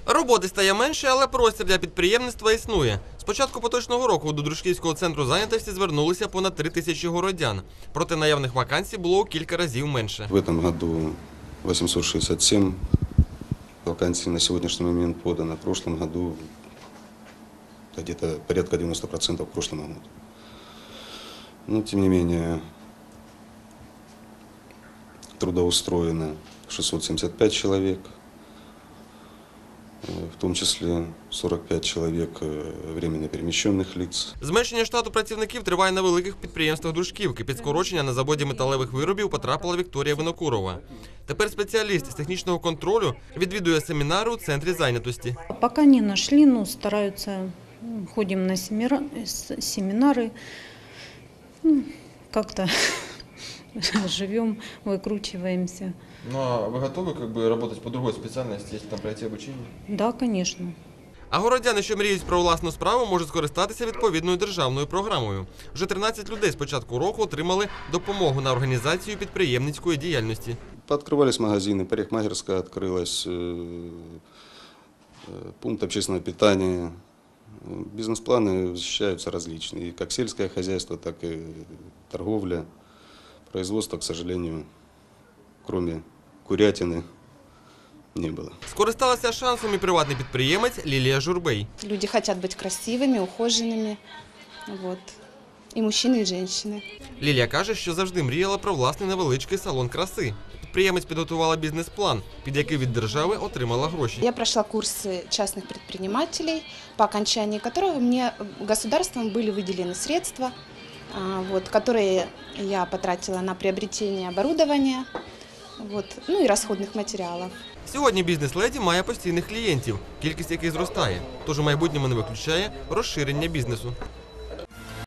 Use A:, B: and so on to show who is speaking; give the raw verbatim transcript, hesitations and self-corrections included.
A: Роботи стає менше, але простір для підприємництва існує. З початку поточного року до Дружківського центру зайнятості звернулися понад три тисячі городян. Проте наявних вакансій було у кілька разів менше.
B: В этом году восемьсот шестьдесят семь вакансий на сегодняшний момент подано. В прошлом году где-то порядка девяноста процентов к прошлому году. Но тем не менее трудоустроено шестьсот семьдесят пять человек, в том числе сорок пять человек временно перемещенных лиц.
A: Зменшення штату працівників триває на великих підприємствах Дружківки. Під скорочення на заводі металевих виробів потрапила Вікторія Винокурова. Тепер спеціаліст з технічного контролю відвідує семінари у центрі зайнятості.
C: Поки не знайшли, ну, стараються, ходимо на семінари, ну, як-то живем, викручуємося.
D: Ну а вы готовы как бы работать по другой специальности, если там пройти обучение?
C: Да, звісно.
A: А городяни, що мріють про власну справу, можуть скористатися відповідною державною програмою. Вже тринадцять людей з початку року отримали допомогу на організацію підприємницької діяльності.
B: Пооткрывались магазины, парикмахерская открылась, пункт общественного питания. Бизнес-планы осуществляются различные, как сельское хозяйство, так и торговля. Производства, к сожалению, кроме курятины, не было.
A: Скористалася шансом і приватний підприємець Лілія Журбей.
E: Люди хотят быть красивыми, ухоженными. Вот. И мужчины, и женщины.
A: Лілія каже, що завжди мріяла про власний невеличкий салон краси. Підприємець підготувала бізнес-план, під який від держави отримала гроші.
E: Я прошла курсы частных предпринимателей, по окончании которого мне государством были выделены средства, вот, которые я потратила на приобретение оборудования, вот, ну и расходных материалов.
A: Сьогодні бізнес-леді має постійних клієнтів, кількість яких зростає, тож у майбутньому не виключає розширення бізнесу.